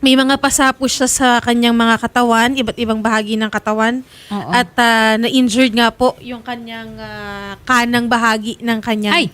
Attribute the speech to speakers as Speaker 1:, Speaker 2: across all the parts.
Speaker 1: May mga pasa po siya sa kanyang mga katawan, iba't ibang bahagi ng katawan.
Speaker 2: Oo.
Speaker 1: At na-injured nga po yung kanyang kanang bahagi ng kanyang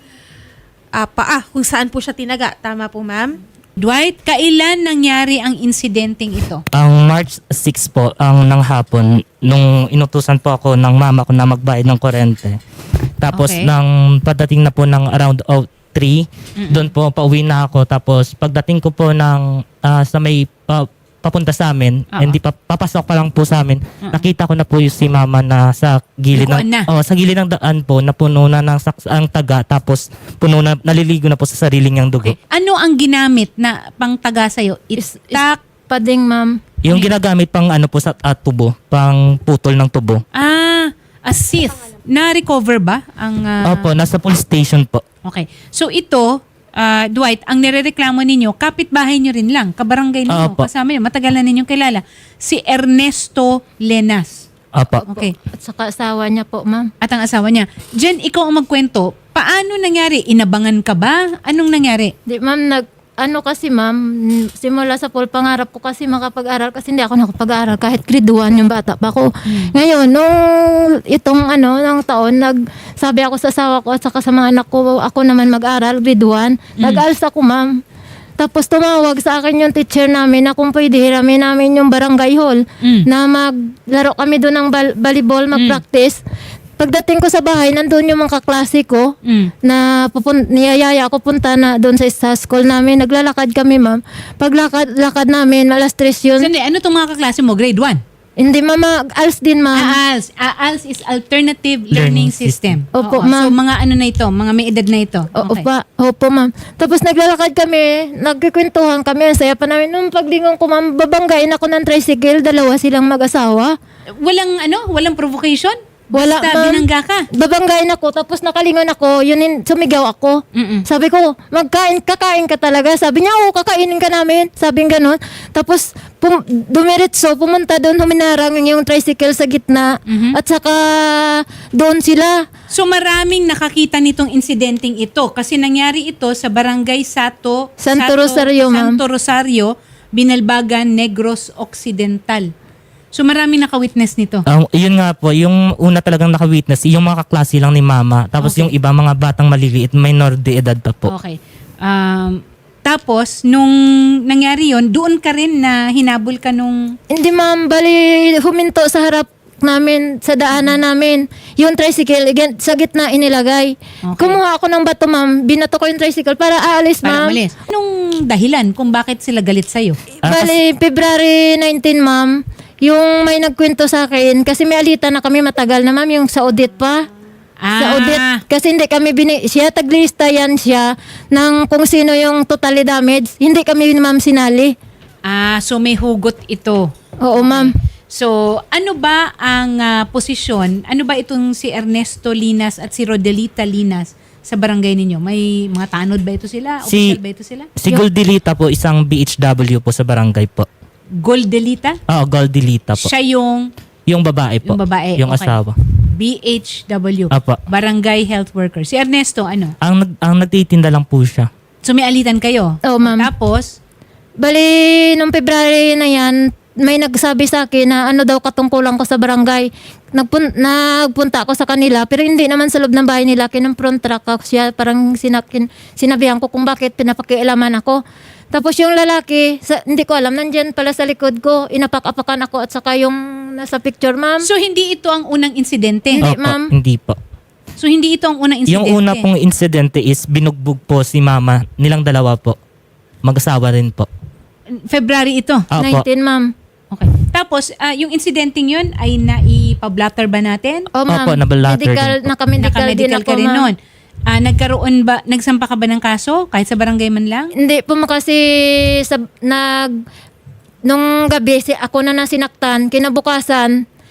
Speaker 1: paa, kung saan po siya tinaga. Tama po, ma'am?
Speaker 2: Dwight, kailan nangyari ang insidenteng ito?
Speaker 3: Ang March 6 po, ang ng hapon, nung inutusan po ako ng mama ko na magbayad ng kuryente. Tapos
Speaker 2: Okay.
Speaker 3: nang padating na po ng around 3, doon po pauwi na ako. Tapos pagdating ko po ng sa may papunta sa amin, hindi papasok pa lang po sa amin, nakita ko na po yung si mama na sa gilid
Speaker 2: Likuan na.
Speaker 3: sa gilid ng daan po, na puno na ng ang taga, tapos puno na, naliligo na po sa sarili niyang dugo.
Speaker 2: Okay. Ano ang ginamit na pangtaga sa'yo? Itak?
Speaker 4: Pading, ma'am.
Speaker 3: Yung ginagamit pang ano po sa tubo, pang putol ng tubo.
Speaker 2: A scythe. Na-recover ba? Ang,
Speaker 3: Opo, nasa police station po.
Speaker 2: Okay. So ito, Dwight, ang nirereklamo ninyo, kapitbahay nyo rin lang, kabarangay ninyo,
Speaker 3: Opo.
Speaker 2: kasama nyo, matagal na ninyong kilala, si Ernesto Lenas.
Speaker 3: Opo.
Speaker 2: Okay.
Speaker 4: At saka asawa niya po, ma'am.
Speaker 2: At ang asawa niya. Jen, ikaw ang magkwento. Paano nangyari? Inabangan ka ba? Anong nangyari?
Speaker 4: Di, ma'am, kasi ma'am, simula sa pool, pangarap ko kasi makapag-aral kasi hindi ako nakapag-aral kahit grade 1 yung bata pa ako. Ngayon, nung nung taon, sabi ako sa asawa ko at saka sa mga anak ko, ako naman mag-aral, grade 1. Nag-ALS ako, ma'am. Tapos tumawag sa akin yung teacher namin na kung pwede hiramin namin yung barangay hall na maglaro kami doon ng volleyball, mag-practice. Pagdating ko sa bahay, nandun yung mga kaklase ko na niyayaya ako punta na doon sa school namin. Naglalakad kami, ma'am. Paglakad namin, alas 3 yun.
Speaker 2: Sandi, ano itong mga kaklase mo? Grade 1?
Speaker 4: Hindi, mama. ALS din, ma'am.
Speaker 2: ALS. ALS is Alternative Learning
Speaker 3: Learning
Speaker 2: System.
Speaker 4: Opo,
Speaker 2: Oo.
Speaker 4: ma'am.
Speaker 2: So, mga ano na ito? Mga may edad na ito? Okay.
Speaker 4: Opo, ma'am. Tapos naglalakad kami, nagkikwentuhan kami. Ang saya pa namin. Nung paglingon ko, ma'am, babanggain ako ng tricycle. Dalawa silang mag-asawa.
Speaker 2: Walang provocation?
Speaker 4: Wala,
Speaker 2: Basta
Speaker 4: ma'am.
Speaker 2: binangga ka?
Speaker 4: Babanggain ako, tapos nakalingon ako, sumigaw ako. Sabi ko, kakain ka talaga. Sabi niya, oo, kakainin ka namin. Sabi gano'n. Tapos, dumiretso, pumunta doon, huminarang yung tricycle sa gitna. At saka, doon sila.
Speaker 2: So maraming nakakita nitong insidenteng ito kasi nangyari ito sa Barangay Santo
Speaker 4: Rosario, ma'am.
Speaker 2: Santo Rosario, Binalbagan, Negros Occidental. So maraming nakawitness nito.
Speaker 3: Yun nga po, yung una talagang nakawitness, yung mga kaklase lang ni mama. Tapos
Speaker 2: Okay.
Speaker 3: yung iba, mga batang maliliit, minor de edad pa po.
Speaker 2: Okay. Tapos nung nangyari yon, doon ka rin na hinabol ka nung
Speaker 4: Hindi, ma'am, bali, huminto sa harap namin, sa daanan namin. Yung tricycle, sa gitna inilagay.
Speaker 2: Okay.
Speaker 4: Kumuha ako ng bato, ma'am. Binato ko yung tricycle para aalis,
Speaker 2: para
Speaker 4: ma'am.
Speaker 2: umalis. Anong dahilan kung bakit sila galit sa'yo?
Speaker 4: Bali, February 19, ma'am, yung may nagkwento sa akin, kasi may alita na kami matagal na, ma'am, yung sa audit pa. Sa audit, kasi hindi kami siya taglista yan siya ng kung sino yung totally damage. Hindi kami, ma'am, sinali.
Speaker 2: So may hugot ito.
Speaker 4: Oo, ma'am.
Speaker 2: So, ano ba ang posisyon? Ano ba itong si Ernesto Linas at si Rodelita Linas sa barangay ninyo? May mga tanod ba ito sila? Official ba ito sila?
Speaker 3: Si Goldilita po, isang BHW po sa barangay po.
Speaker 2: Goldelita?
Speaker 3: Goldilita po.
Speaker 2: Siya yung
Speaker 3: Babae po.
Speaker 2: Yung babae.
Speaker 3: Yung
Speaker 2: Okay.
Speaker 3: asawa.
Speaker 2: BHW.
Speaker 3: Apo.
Speaker 2: Barangay Health Worker. Si Ernesto, ano?
Speaker 3: Ang nagtitinda lang po siya.
Speaker 2: So, may alitan kayo?
Speaker 4: Oo, ma'am.
Speaker 2: Tapos,
Speaker 4: Bali, nung February na yan, may nagsabi sa akin na ano daw katungkulan ko sa barangay. Nagpunta ako sa kanila, pero hindi naman sa loob ng bahay nila. Kinumpront track ako siya, parang sinabihan ko kung bakit pinapakialaman ako. Tapos yung lalaki, hindi ko alam, nandyan pala sa likod ko, inapak-apakan ako at saka yung nasa picture, ma'am.
Speaker 2: so hindi ito ang unang insidente?
Speaker 4: Hindi,
Speaker 3: Opo,
Speaker 4: ma'am.
Speaker 3: Hindi po.
Speaker 2: So, hindi ito ang unang insidente?
Speaker 3: Yung una pong insidente is binugbog po si mama, nilang dalawa po. Mag-asawa rin po.
Speaker 2: February ito?
Speaker 3: Opo.
Speaker 4: 19, ma'am.
Speaker 2: Okay. Tapos, yung insidenteng yun ay naipablatter ba natin?
Speaker 4: Oh, ma'am.
Speaker 3: Opo, nabalatter
Speaker 4: Medical,
Speaker 3: din po.
Speaker 4: naka-medical din
Speaker 2: Naka-medical
Speaker 4: ako,
Speaker 2: ka rin
Speaker 4: ma'am.
Speaker 2: nun. Nagsampa ka ba ng kaso kahit sa barangay man lang?
Speaker 4: Hindi po kasi nung gabi ako na nasinaktan, kinabukasan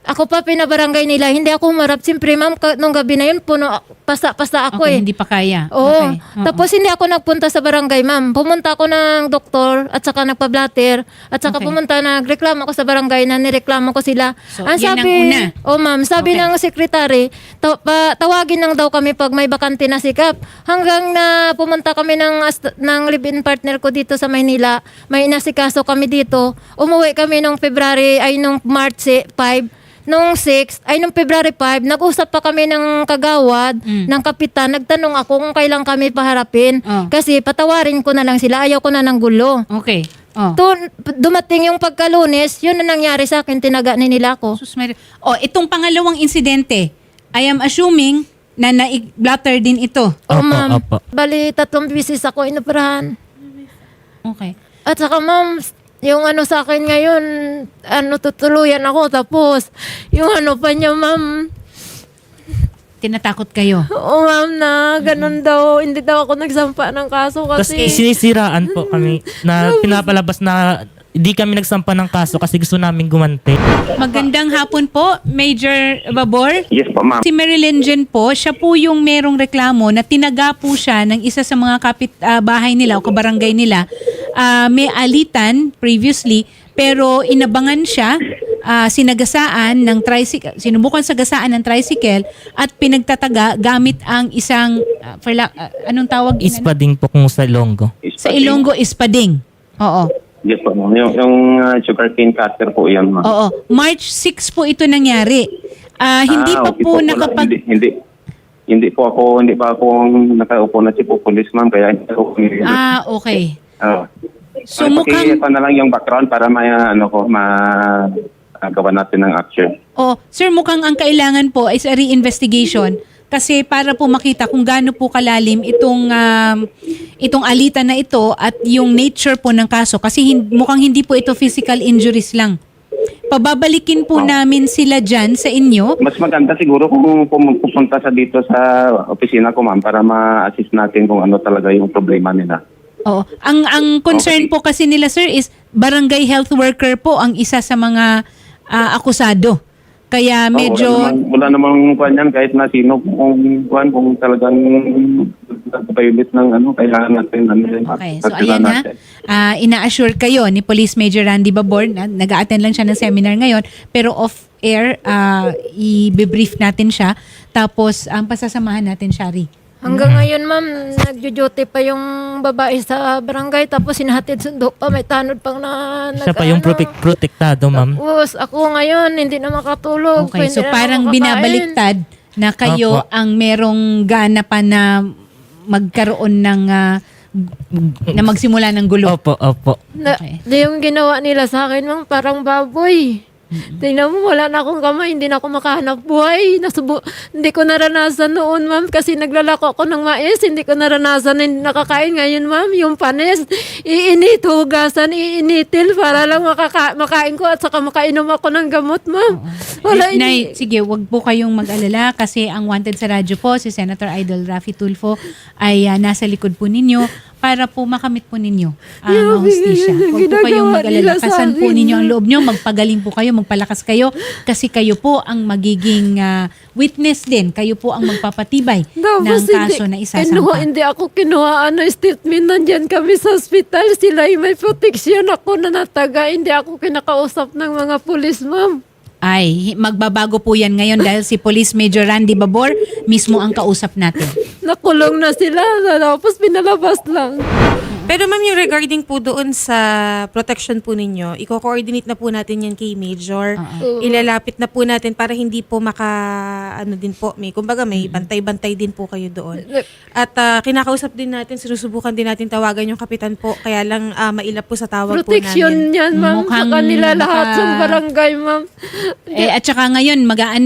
Speaker 4: Ako pa pinabarangay nila, hindi ako humarap. Siyempre, ma'am, nung gabi na yun, puno, pasa ako
Speaker 2: Okay,
Speaker 4: eh.
Speaker 2: hindi pa kaya.
Speaker 4: Oo.
Speaker 2: Okay. Oo.
Speaker 4: Tapos hindi ako nagpunta sa barangay, ma'am. Pumunta ako ng doktor at saka nagpa-blatter at saka
Speaker 2: Okay.
Speaker 4: pumunta, nagreklamo ako sa barangay na nireklamo ko sila.
Speaker 2: So, yan ang una.
Speaker 4: Ma'am, sabi
Speaker 2: Okay.
Speaker 4: ng sekretary, tawagin lang daw kami pag may bakante na sikap. Hanggang na pumunta kami ng live-in partner ko dito sa Maynila, may inasikaso kami dito. Umuwi kami nung March 5. Nung February 5, nag-usap pa kami ng kagawad, ng kapitan. Nagtanong ako kung kailan kami paharapin.
Speaker 2: Oh.
Speaker 4: Kasi patawarin ko na lang sila. Ayaw ko na ng gulo.
Speaker 2: Okay. Oh.
Speaker 4: Dumating yung pagkalunes, yun na nangyari sa akin. Tinaga ni nila ako.
Speaker 2: Sus Maria. Itong pangalawang insidente, I am assuming na na-blatter din ito.
Speaker 4: Oo,
Speaker 3: Opo,
Speaker 4: ma'am.
Speaker 3: opo.
Speaker 4: Bali, 3 bisis ako inoperahan.
Speaker 2: Okay.
Speaker 4: At saka, ma'am, yung sa akin ngayon, tutuluyan ako. Tapos, yung pa niya, ma'am,
Speaker 2: Tinatakot kayo.
Speaker 4: oo, ma'am, na ganun daw. Hindi daw ako nagsampa ng kaso
Speaker 3: Tapos
Speaker 4: kasi...
Speaker 3: sinisiraan po kami na pinapalabas na hindi kami nagsampa ng kaso kasi gusto namin gumanti.
Speaker 2: Magandang hapon po, Major Babor.
Speaker 5: Yes po, ma'am.
Speaker 2: Si Marilyn Jen po, siya po yung merong reklamo na tinaga po siya ng isa sa mga bahay nila o kabarangay nila. May alitan previously, pero inabangan siya, sinagasaan ng tricycle, sinubukan sagasaan ng tricycle at pinagtataga gamit ang isang, anong tawag?
Speaker 3: Ispading po kung sa Ilonggo.
Speaker 2: Sa Ilonggo, ispading. Oo.
Speaker 5: Yes po, ma'am. Yung sugarcane cutter po yan, ma'am.
Speaker 2: Oo. March 6 po ito nangyari. Hindi pa
Speaker 5: okay
Speaker 2: po
Speaker 5: Wala.
Speaker 2: nakapag...
Speaker 5: Hindi pa ako nakaupo na si police, ma'am, kaya hindi ako
Speaker 2: Okay. So
Speaker 5: So
Speaker 2: mukhang...
Speaker 5: na lang yung background para magawa natin ng action.
Speaker 2: Sir, mukhang ang kailangan po is a re-investigation kasi para po makita kung gaano po kalalim itong alitan na ito at yung nature po ng kaso kasi mukhang hindi po ito physical injuries lang. Pababalikin po namin sila dyan sa inyo.
Speaker 5: Mas maganda siguro kung pupunta sa dito sa opisina ko, ma'am, para ma-assist natin kung ano talaga yung problema nila.
Speaker 2: Oo. Ang concern
Speaker 5: Okay.
Speaker 2: po kasi nila, sir, is barangay health worker po ang isa sa mga akusado. Kaya medyo...
Speaker 5: Wala namang kuwan yan kahit na sino kung talagang violate ng kailangan natin.
Speaker 2: Okay, so ayan na. Ina-assure kayo ni Police Major Randy Babor na nag-a-attend lang siya ng seminar ngayon pero off-air, i-brief natin siya. Tapos, pasasamahan natin, Shari.
Speaker 4: Hanggang ngayon, ma'am, nagjo-duty pa yung babae sa barangay. Tapos sinahatid sundo pa. May tanod pang na...
Speaker 3: Siya pa yung protektado, ma'am.
Speaker 4: Tapos ako ngayon, hindi na makatulog.
Speaker 2: Okay,
Speaker 4: hindi
Speaker 2: so
Speaker 4: na
Speaker 2: parang
Speaker 4: makakain.
Speaker 2: binabaliktad na kayo
Speaker 3: Opo.
Speaker 2: ang merong gana pa na magkaroon ng na magsimula ng gulo.
Speaker 3: Opo, opo.
Speaker 2: Okay.
Speaker 4: Yung ginawa nila sa akin, ma'am, parang baboy. Tingnan mo, wala na akong kamay, hindi na ako makahanap buhay. Hindi ko naranasan noon, ma'am, kasi naglalako ako ng mais. Hindi ko naranasan, hindi nakakain. Ngayon, ma'am, yung panis, iinit, hugasan, iinitil para lang makain ko at saka makainom ako ng gamot, ma'am. Wala,
Speaker 2: Nay, sige, wag po kayong mag-alala kasi ang wanted sa radyo po, si Senator Idol Raffy Tulfo, ay nasa likod po ninyo para po makamit po ninyo ang hustisya. Huwag po kayong mag-alala. Kasan po ninyo ang loob nyo, magpagaling po kayo, magpalakas kayo kasi kayo po ang magiging witness din. Kayo po ang magpapatibay ng kaso na isasampa.
Speaker 4: Hindi ako kinuha statement. Nandyan kami sa hospital. Sila may proteksyon ako na nataga. Hindi ako kinakausap ng mga pulis, ma'am.
Speaker 2: Ay, magbabago po yan ngayon dahil si Police Major Randy Babor mismo ang kausap natin.
Speaker 4: Nakulong na sila. Tapos pinalabas lang.
Speaker 1: Pero ma'am, yung regarding po doon sa protection po ninyo, i-coordinate na po natin yan kay Major. Ilalapit na po natin para hindi po kumbaga may bantay-bantay din po kayo doon. At kinakausap din natin, sinusubukan din natin tawagan yung kapitan po, kaya lang mailap po sa tawag po
Speaker 4: Proteksyon
Speaker 1: namin.
Speaker 4: yan, ma'am.
Speaker 2: Mukhang
Speaker 4: Sa kanila lahat sa barangay, ma'am.
Speaker 2: At saka ngayon,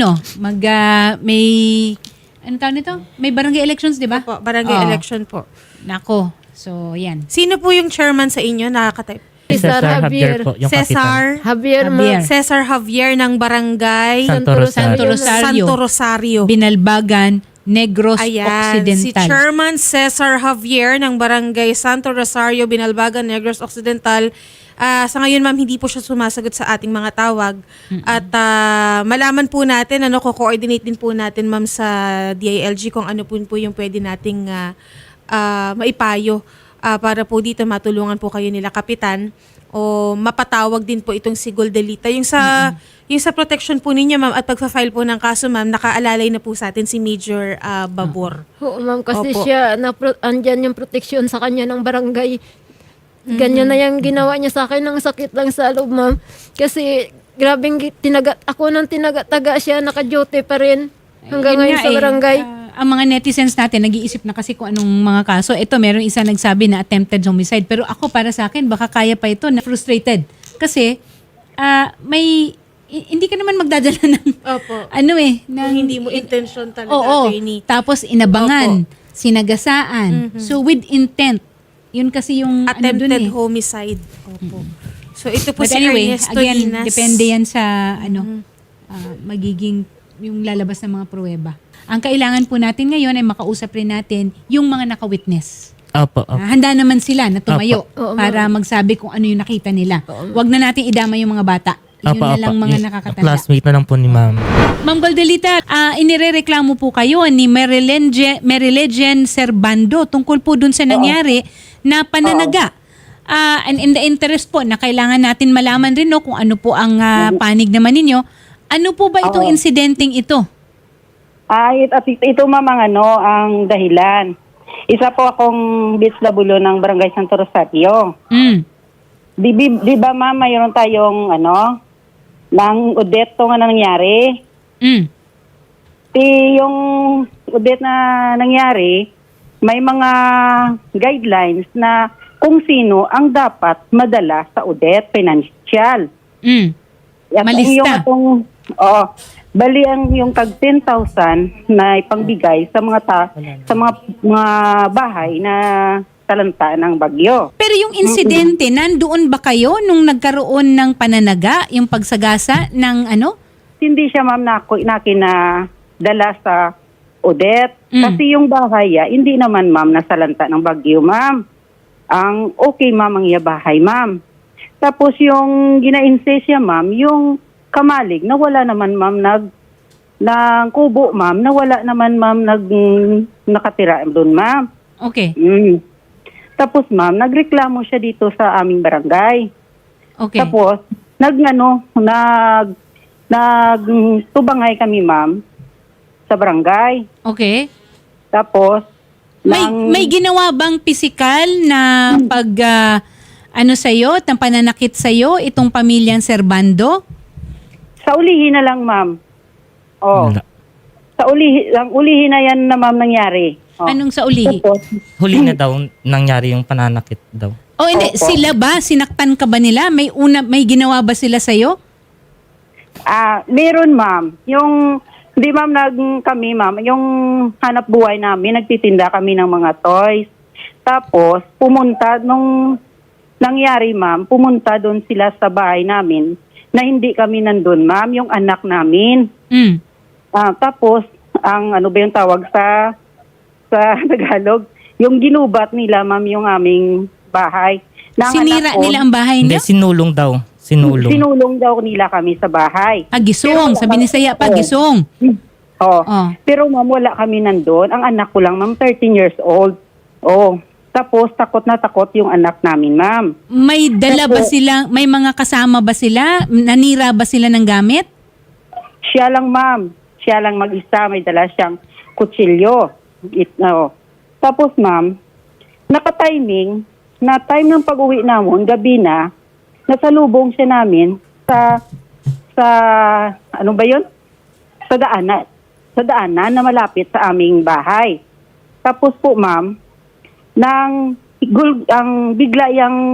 Speaker 2: may, ano tawag nito? May barangay elections, di ba?
Speaker 1: Po, barangay
Speaker 2: Oo.
Speaker 1: election po.
Speaker 2: Nako. So, yan.
Speaker 1: Sino po yung chairman sa inyo? Nakaka-type.
Speaker 4: Cesar Javier.
Speaker 3: po, yung kapitan.
Speaker 4: Javier,
Speaker 2: Javier.
Speaker 4: ma'am.
Speaker 1: Cesar Javier ng barangay
Speaker 3: Santo Rosario.
Speaker 2: Santo Rosario.
Speaker 1: Santo Rosario.
Speaker 2: Binalbagan, Negros
Speaker 1: Ayan, si
Speaker 2: Occidental.
Speaker 1: Chairman Cesar Javier ng Barangay Santo Rosario, Binalbagan, Negros Occidental. Sa ngayon, ma'am, hindi po siya sumasagot sa ating mga tawag. At malaman po natin, ko-coordinate din po natin, ma'am, sa DILG kung ano po yung pwede nating maipayo para po dito matulungan po kayo nila, Kapitan, o mapatawag din po itong si Goldelita. Yung sa protection po ninyo, ma'am, at pagpa-file po ng kaso, ma'am, nakaalalay na po sa atin si Major Babor.
Speaker 4: Oo, ma'am, kasi
Speaker 1: Opo.
Speaker 4: siya, andyan yung proteksyon sa kanya ng barangay. Ganyan na yung ginawa niya sa akin, ng sakit lang sa loob, ma'am. Kasi, grabing ako nang tinaga-taga siya, naka-duty pa rin. Hanggang
Speaker 2: Yun
Speaker 4: ngayon
Speaker 2: nga
Speaker 4: sa barangay.
Speaker 2: ang mga netizens natin, nag-iisip na kasi kung anong mga kaso. Ito, meron isa nagsabi na attempted homicide. Pero ako, para sa akin, baka kaya pa ito na frustrated. Kasi, hindi ka naman magdadala ng,
Speaker 1: Opo.
Speaker 2: ng,
Speaker 1: Hindi mo intention talaga,
Speaker 2: Oo.
Speaker 1: attorney.
Speaker 2: Tapos inabangan, sinagasaan. So with intent, yun kasi yung
Speaker 1: Attempted
Speaker 2: dun eh.
Speaker 1: homicide. Opo. So ito po
Speaker 2: But
Speaker 1: si
Speaker 2: anyway,
Speaker 1: Ernesto
Speaker 2: again,
Speaker 1: Dinas.
Speaker 2: depende yan sa magiging yung lalabas ng mga pruweba. Ang kailangan po natin ngayon ay makausap rin natin yung mga naka-witness.
Speaker 3: Opo, opo.
Speaker 2: Handa naman sila na tumayo
Speaker 4: Oo,
Speaker 2: para magsabi kung ano yung nakita nila. Huwag na natin idama yung mga bata. Yun
Speaker 3: Opo,
Speaker 2: na
Speaker 3: opo.
Speaker 2: lang mga
Speaker 3: Yung
Speaker 2: nakakatanda.
Speaker 3: classmate na lang po ni ma'am.
Speaker 2: Ma'am Goldelita, inirereklamo po kayo ni Merilegian Serbando tungkol po dun sa nangyari na pananaga. And in the interest po na kailangan natin malaman rin kung ano po ang panig naman ninyo. Ano po ba itong insidenteng ito?
Speaker 6: Ito ma'am ang dahilan. Isa po akong BSW ng Barangay Santo Rosario.
Speaker 2: Mm.
Speaker 6: Di ba ma'am, mayroon tayong ng Odette nga nangyari.
Speaker 2: Mm.
Speaker 6: Yung Odette na nangyari, may mga guidelines na kung sino ang dapat madala sa Odette financial.
Speaker 2: Mm. Malista.
Speaker 6: Bali yung tag 10,000 na ipangbigay sa mga mga bahay na talanta ng bagyo.
Speaker 2: Pero yung insidente, nandoon ba kayo nung nagkaroon ng pananaga, yung pagsagasa ng
Speaker 6: Hindi siya ma'am dala sa Odette. Kasi yung bahay, hindi naman ma'am nasalanta ng bagyo ma'am. Ang okay ma'am ang iya bahay ma'am. Tapos yung gina-insist ma'am, yung kamalig na wala naman ma'am ng kubo ma'am, na wala naman ma'am nakatira doon ma'am.
Speaker 2: Okay.
Speaker 6: Tapos ma'am, nagreklamo siya dito sa aming barangay.
Speaker 2: Okay.
Speaker 6: Tapos nagtubangay kami ma'am sa barangay.
Speaker 2: Okay.
Speaker 6: Tapos
Speaker 2: May ginawa bang pisikal na sa'yo, ng pananakit sa'yo, itong pamilyang Serbando?
Speaker 6: sa ulihin na lang ma'am.
Speaker 3: Wala.
Speaker 6: Ang ulihin na yan na ma'am nangyari.
Speaker 2: Anong sa ulihi?
Speaker 6: Tapos,
Speaker 3: Huli na daw nangyari yung pananakit daw.
Speaker 2: O hindi, sila ba? Sinaktan ka ba nila? May ginawa ba sila sa'yo?
Speaker 6: meron ma'am. Hindi ma'am, kami ma'am, yung hanap buhay namin, nagtitinda kami ng mga toys. Tapos, nung nangyari ma'am, pumunta doon sila sa bahay namin na hindi kami nandun ma'am, yung anak namin.
Speaker 2: Mm.
Speaker 6: Tapos, ang yung tawag sa Tagalog, yung ginubat nila ma'am yung aming bahay.
Speaker 2: Sinira nila ang bahay
Speaker 3: Hindi,
Speaker 2: niyo?
Speaker 3: sinulong daw.
Speaker 6: Sinulong daw nila kami sa bahay.
Speaker 2: Gisong. Sabi ni Saya pa, gisong.
Speaker 6: Oh.
Speaker 2: Oh.
Speaker 6: Pero ma'am, wala kami nandun. Ang anak ko lang ma'am, 13 years old. Tapos takot na takot yung anak namin ma'am.
Speaker 2: May dala ba sila, may mga kasama ba sila? Nanira ba sila ng gamit?
Speaker 6: Siya lang ma'am. Siya lang mag-isa. May dala siyang kutsilyo. Tapos ma'am, naka-timing, na time ng pag-uwi namin, gabi na, nasalubong siya namin sa daanan na malapit sa aming bahay. Tapos po ma'am, bigla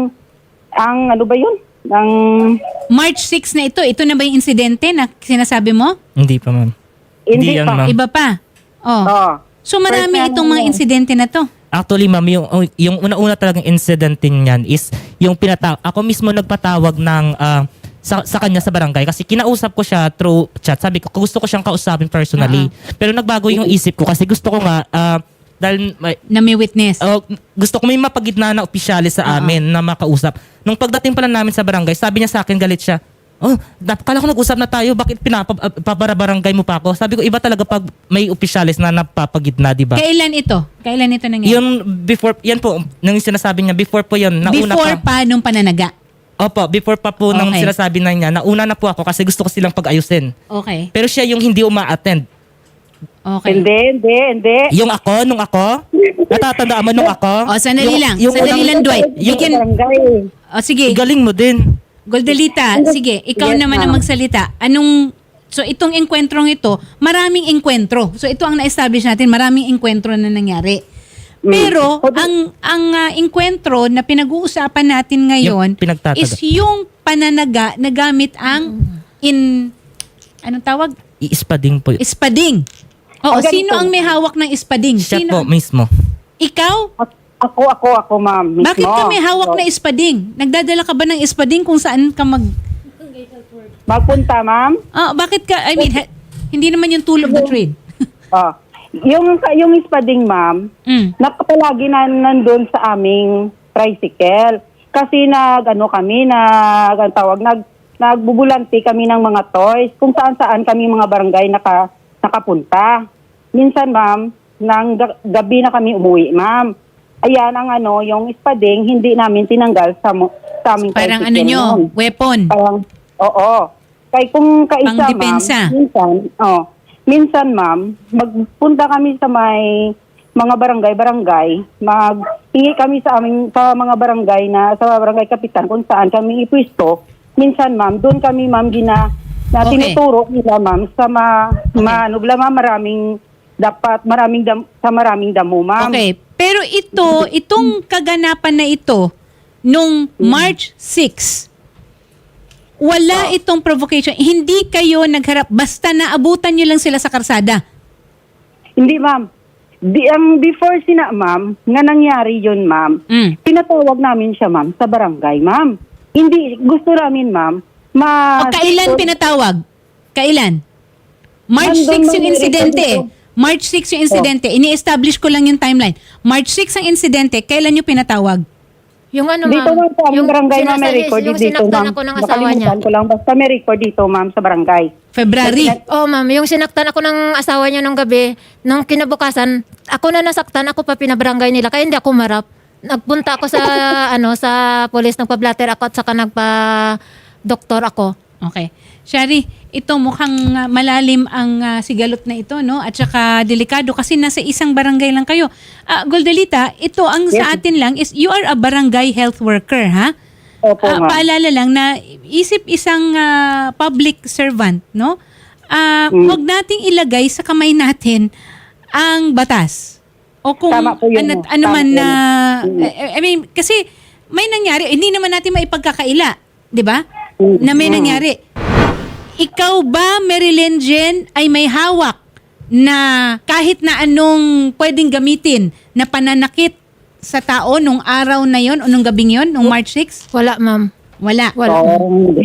Speaker 2: March 6 na ito. Ito na ba yung insidente na sinasabi mo?
Speaker 3: Hindi pa, ma'am.
Speaker 6: Hindi
Speaker 3: yan,
Speaker 6: pa.
Speaker 3: ma'am.
Speaker 2: Iba pa? Oh. So marami
Speaker 6: First time
Speaker 2: itong mga
Speaker 6: mo.
Speaker 2: insidente na to.
Speaker 3: Actually, ma'am, yung una-una talagang incident niyan is yung ako mismo nagpatawag ng sa kanya sa barangay kasi kinausap ko siya through chat. Sabi ko gusto ko siyang kausapin personally. Pero nagbago yung isip ko kasi gusto ko nga dahil
Speaker 2: Na may witness.
Speaker 3: gusto ko may mapagitna na opisyalis sa amin na makausap. Nung pagdating pala namin sa barangay, sabi niya sa akin, galit siya. Kala ko nag-usap na tayo, bakit paparabarangay mo pa ako? Sabi ko, iba talaga pag may opisyalis na napapagitna, di ba?
Speaker 2: Kailan ito? Kailan ito nangyari?
Speaker 3: Yung before, yan po, nung sinasabi niya, before po yun, nauna
Speaker 2: Before pa nung pananaga.
Speaker 3: Opo, before pa po nung
Speaker 2: Okay.
Speaker 3: sinasabi na niya, nauna na po ako kasi gusto ko silang pag-ayusin.
Speaker 2: Okay.
Speaker 3: Pero siya yung hindi uma-attend.
Speaker 2: Okay.
Speaker 6: Hindi.
Speaker 3: Yung ako, nung ako, natatandaan mo nung ako?
Speaker 2: Sandali lang. Sandali lang, Dwight. Bigyan,
Speaker 6: Barangay.
Speaker 2: sige.
Speaker 3: Galing mo din.
Speaker 2: Goldelita, sige, ikaw
Speaker 6: Yes,
Speaker 2: naman ang
Speaker 6: ma'am.
Speaker 2: magsalita. So itong engkwentrong ito, maraming engkwentro. So ito ang na-establish natin, maraming engkwentro na nangyari. Pero ang engkwentro na pinag-uusapan natin ngayon
Speaker 3: Yung pinagtataga.
Speaker 2: is yung pananaga na gamit ang anong tawag?
Speaker 3: Iispading po.
Speaker 2: Espading. Oo,
Speaker 6: Ang ganito.
Speaker 2: sino ang may hawak ng espading?
Speaker 3: Siya
Speaker 2: Sino?
Speaker 3: po mismo.
Speaker 2: Ikaw?
Speaker 6: Ako, ma'am. Mismo.
Speaker 2: Bakit ka may hawak na espading? Nagdadala ka ba ng espading kung saan ka
Speaker 6: Magpunta, ma'am.
Speaker 2: bakit ka, hindi naman yung tool of the trade.
Speaker 6: Yung ispading, ma'am, napapalagi na nandun sa aming tricycle. Kasi nagbubulanti kami ng mga toys kung saan kami mga barangay nakapunta. Minsan, ma'am, gabi na kami umuwi, ma'am. Ayan yung ispading, hindi namin tinanggal sa aming
Speaker 2: Parang
Speaker 6: tricycle
Speaker 2: nyo,
Speaker 6: noon.
Speaker 2: weapon.
Speaker 6: Parang, oo. Kaya kung kaisa,
Speaker 2: Pangdepensa.
Speaker 6: ma'am, minsan, ma'am, magpunta kami sa may mga barangay, maghingi kami sa mga barangay sa barangay kapitan kung saan kami ipwisto. Minsan, ma'am, doon kami, ma'am,
Speaker 2: Okay.
Speaker 6: tinuturo nila, ma'am, sa maraming damo, ma'am.
Speaker 2: Okay. Pero itong kaganapan na ito, nung March 6, wala itong provocation. Hindi kayo nagharap. Basta naabutan nyo lang sila sa karsada.
Speaker 6: Hindi, ma'am. Ang before ma'am, nga nangyari yun, ma'am, pinatawag namin siya, ma'am, sa barangay, ma'am. Hindi, gusto namin, ma'am,
Speaker 2: Kailan pinatawag? Kailan? March
Speaker 6: Nandun
Speaker 2: 6 yung
Speaker 6: mga
Speaker 2: insidente.
Speaker 6: record ko.
Speaker 2: March 6 yung insidente. Ini-establish ko lang yung timeline. March 6 ang insidente. Kailan nyo pinatawag?
Speaker 4: Yung ano,
Speaker 6: Dito, ma'am, sa aming barangay, ma'am, may record
Speaker 4: yung
Speaker 6: dito,
Speaker 4: sinaktan
Speaker 6: ma'am.
Speaker 4: ako ng asawa niya.
Speaker 6: Nakalimutan ko lang, basta may record dito, ma'am, sa barangay.
Speaker 2: February.
Speaker 4: Oh, ma'am, yung sinaktan ako ng asawa niya nung gabi, nung kinabukasan, ako na nasaktan, ako pa pinabarangay nila, kaya hindi ako marap. Nagpunta ako sa sa police, nagpa-blatter ako at saka nagpa-doktor ako.
Speaker 2: Okay. Shari, ito mukhang malalim ang sigalot na ito, no? At saka delikado kasi nasa isang barangay lang kayo. Goldelita, ito ang sa atin lang is you are a barangay health worker, ha?
Speaker 6: Opo, ma'am.
Speaker 2: Paalala lang na isip isang public servant, no? Huwag nating ilagay sa kamay natin ang batas. O kung
Speaker 6: Tama po yun,
Speaker 2: ano
Speaker 6: Tama
Speaker 2: man
Speaker 6: po
Speaker 2: na
Speaker 6: yun.
Speaker 2: I mean, kasi may nangyari, hindi naman natin maipagkakaila, 'di ba? Na may nangyari. Ikaw ba, Marilyn Jen, ay may hawak na kahit na anong pwedeng gamitin na pananakit sa tao nung araw na yon o nung gabing yon, nung March 6?
Speaker 4: Wala, ma'am.
Speaker 2: Wala.
Speaker 4: Wala.
Speaker 6: Hindi.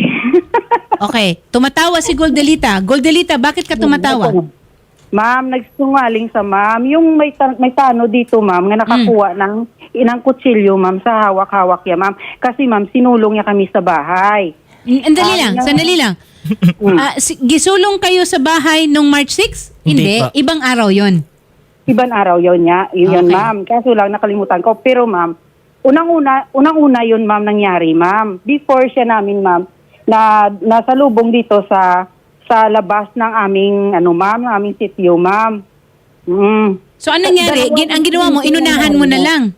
Speaker 2: Okay. Tumatawa si Goldelita. Goldelita, bakit ka tumatawa?
Speaker 6: Ma'am, nagsungaling sa ma'am. Yung may tano dito, ma'am, nga nakakuha ng inang kutsilyo, ma'am, sa hawak-hawak niya, ma'am. Kasi, ma'am, sinulong niya kami sa bahay.
Speaker 2: Sandali lang. Gisulong kayo sa bahay nung March 6?
Speaker 3: Hindi pa.
Speaker 2: Ibang araw yon.
Speaker 6: Ibang araw yun niya. Yun,
Speaker 2: Okay.
Speaker 6: ma'am. Kaso lang, nakalimutan ko. Pero, ma'am, unang-una yun, ma'am, nangyari, ma'am. Before siya namin, ma'am, na nasa lubong dito sa labas ng aming, ma'am, aming sitio, ma'am.
Speaker 2: So, anong nangyari? Ang ginawa mo, inunahan mo na lang.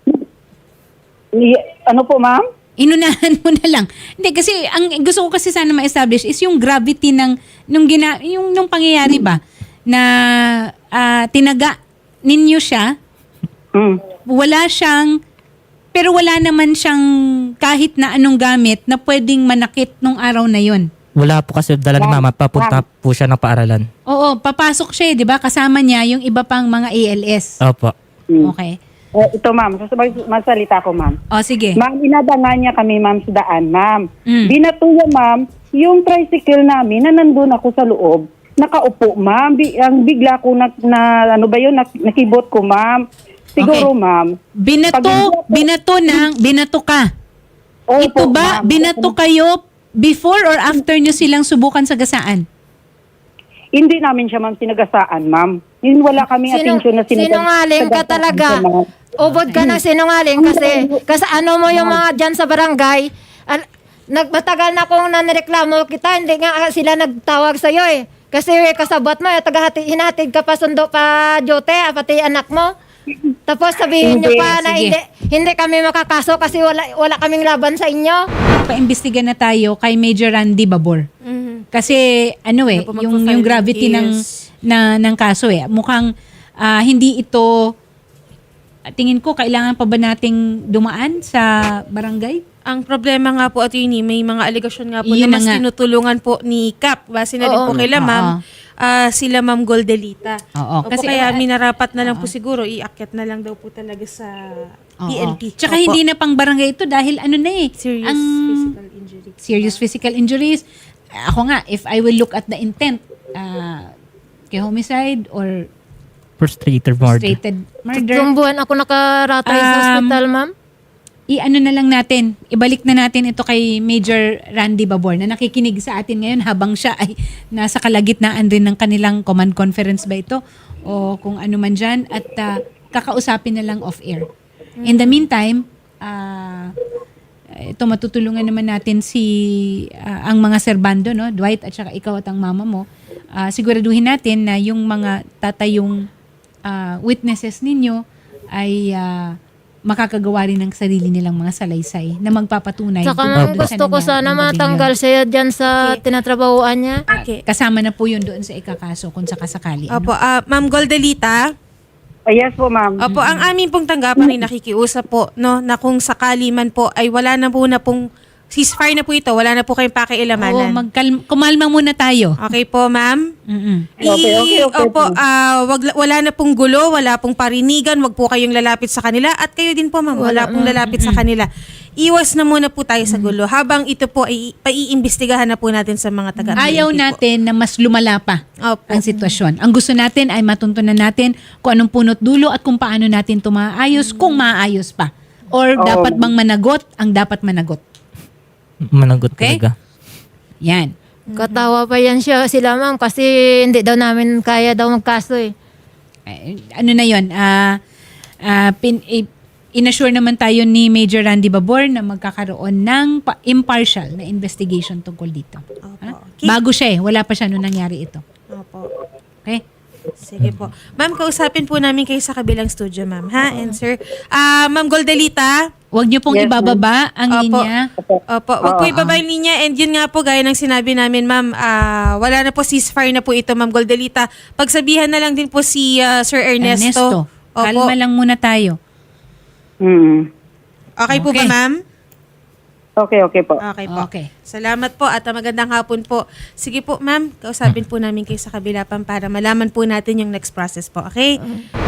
Speaker 6: Ano po, ma'am?
Speaker 2: Inunahan mo na lang. Hindi, kasi ang gusto ko kasi sana ma-establish is yung gravity ng nung pangyayari ba na tinaga ninyo siya, pero wala naman siyang kahit na anong gamit na pwedeng manakit nung araw na yon.
Speaker 3: Wala po kasi dala ni mama, papunta po siya ng paaralan.
Speaker 2: Oo, papasok siya, 'di ba? Kasama niya yung iba pang mga ALS.
Speaker 3: Opo.
Speaker 2: Okay.
Speaker 6: Ito, ma'am. Masalita ko, ma'am.
Speaker 2: O, sige.
Speaker 6: Ma'am, inadangan niya kami, ma'am, sa daan, ma'am.
Speaker 2: Mm.
Speaker 6: Binatuya, ma'am, yung tricycle namin na nandun ako sa loob, nakaupo, ma'am. Ang bigla ko ano ba yun, nakibot ko, ma'am. Siguro,
Speaker 2: Okay.
Speaker 6: ma'am.
Speaker 2: Binato ka.
Speaker 6: Opo,
Speaker 2: Ito ba,
Speaker 6: ma'am.
Speaker 2: binato kayo before or after nyo silang subukan sa gasaan?
Speaker 6: Hindi namin siya, ma'am, sinagasaan, ma'am. Yun, wala kaming atensyon na
Speaker 4: Sinungaling ka talaga.
Speaker 6: ma'am.
Speaker 4: Ubod ka ng sinungaling kasi ano mo yung mga dyan sa barangay. Nagmatagal na akong nanireklamo kita, hindi nga sila nagtawag sa'yo eh. Kasi kasabot mo, hinatid ka pa sundo pa Jote, pati anak mo. Tapos sabihin nyo
Speaker 6: Hindi,
Speaker 4: pa na
Speaker 2: sige.
Speaker 4: hindi kami makakaso kasi wala kaming laban sa inyo.
Speaker 2: Paimbestiga na tayo kay Major Randy Babor. Kasi ano
Speaker 1: Ano po,
Speaker 2: yung
Speaker 1: magpo-file
Speaker 2: gravity
Speaker 1: is-
Speaker 2: ng kaso mukhang hindi ito tingin ko kailangan pa ba nating dumaan sa barangay?
Speaker 1: Ang problema nga po, attorney, may mga aligasyon nga po
Speaker 2: Yun
Speaker 1: na mas
Speaker 2: na nga.
Speaker 1: tinutulungan po ni Cap. Base na rin
Speaker 4: Oo.
Speaker 1: po kay ma'am, sila ma'am Goldelita.
Speaker 2: Oo.
Speaker 1: Opo,
Speaker 2: Kasi,
Speaker 1: kaya minarapat na lang po siguro, iakyat na lang daw po talaga sa
Speaker 2: Oo.
Speaker 1: PNP.
Speaker 2: Tsaka
Speaker 1: Opo.
Speaker 2: hindi na pang barangay ito dahil ano na
Speaker 1: Serious
Speaker 2: ang
Speaker 1: physical injury.
Speaker 2: serious physical injuries. Ako nga, if I will look at the intent, kay homicide or
Speaker 3: Frustrated murder.
Speaker 2: frustrated murder,
Speaker 4: Tatlong buwan ako nakaratay sa hospital, ma'am.
Speaker 2: i-ano na lang natin, ibalik na natin ito kay Major Randy Babor na nakikinig sa atin ngayon habang siya ay nasa kalagitnaan rin ng kanilang command conference ba ito o kung ano man dyan at kakausapin na lang off-air. In the meantime, ito matutulungan naman natin ang mga serbando, no? Dwight at saka ikaw at ang mama mo. Siguraduhin natin na yung mga tatayong witnesses ninyo ay makakagawa rin ng sarili nilang mga salaysay na magpapatunay.
Speaker 4: Saka
Speaker 2: tungkol
Speaker 4: ma'am,
Speaker 2: doon sa
Speaker 4: gusto ko
Speaker 2: nangyari
Speaker 4: sana
Speaker 2: ng gabing
Speaker 4: matanggal
Speaker 2: yun.
Speaker 4: siya dyan sa tinatrabahuan niya.
Speaker 1: Okay.
Speaker 2: Kasama na po yun doon sa ikakaso kung sakasakali.
Speaker 1: Opo, ma'am Goldelita.
Speaker 6: Yes po, ma'am.
Speaker 1: Opo, ang aming pong tanggapan ay nakikiusap po, no, na kung sakali man po ay wala na pong ceasefire na po ito, wala na po kayong
Speaker 2: Oo,
Speaker 1: pakialamanan.
Speaker 2: kumalma muna tayo.
Speaker 1: Okay po, ma'am?
Speaker 2: Mm-mm.
Speaker 6: Okay.
Speaker 1: Opo, wala na pong gulo, wala pong parinigan, wag po kayong lalapit sa kanila at kayo din po, ma'am, wala pong lalapit sa kanila. Iwas na muna po tayo sa gulo habang ito po ay paiimbestigahan na po natin sa mga taga
Speaker 2: Ayaw natin na mas lumala pa
Speaker 1: Opo.
Speaker 2: ang sitwasyon. Ang gusto natin ay matuntunan natin kung anong punot dulo at kung paano natin ito maayos, kung maayos pa. Or dapat bang managot ang dapat managot.
Speaker 3: Managot
Speaker 2: Okay?
Speaker 3: talaga.
Speaker 2: Yan.
Speaker 4: Katawa pa yan sila ma'am kasi hindi daw namin kaya daw magkaso eh.
Speaker 2: Ano na yun? Inassure naman tayo ni Major Randy Babor na magkakaroon ng impartial na investigation tungkol dito.
Speaker 1: Opo. Okay.
Speaker 2: Bago siya wala pa siya nung nangyari ito.
Speaker 1: Opo.
Speaker 2: Okay?
Speaker 1: Sige po. Ma'am, kausapin po namin kayo sa kabilang studio, ma'am. Ha? And sir, ma'am Goldelita.
Speaker 2: Huwag niyo pong
Speaker 6: Yes,
Speaker 2: ibababa ang
Speaker 1: Opo.
Speaker 2: linya.
Speaker 1: Opo. Wag po ibaba yung linya. And yun nga po, gaya ng sinabi namin, ma'am, wala na po ceasefire na po ito, ma'am Goldelita. Pagsabihan na lang din po si Sir Ernesto. Opo.
Speaker 2: Kalma lang muna tayo.
Speaker 1: Okay po ba,
Speaker 2: Okay.
Speaker 1: ma'am?
Speaker 6: Okay po.
Speaker 1: Okay po.
Speaker 2: Okay.
Speaker 1: Salamat po at magandang hapon po. Sige po, ma'am, kausapin po namin kayo sa kabila pa para malaman po natin yung next process po. Okay?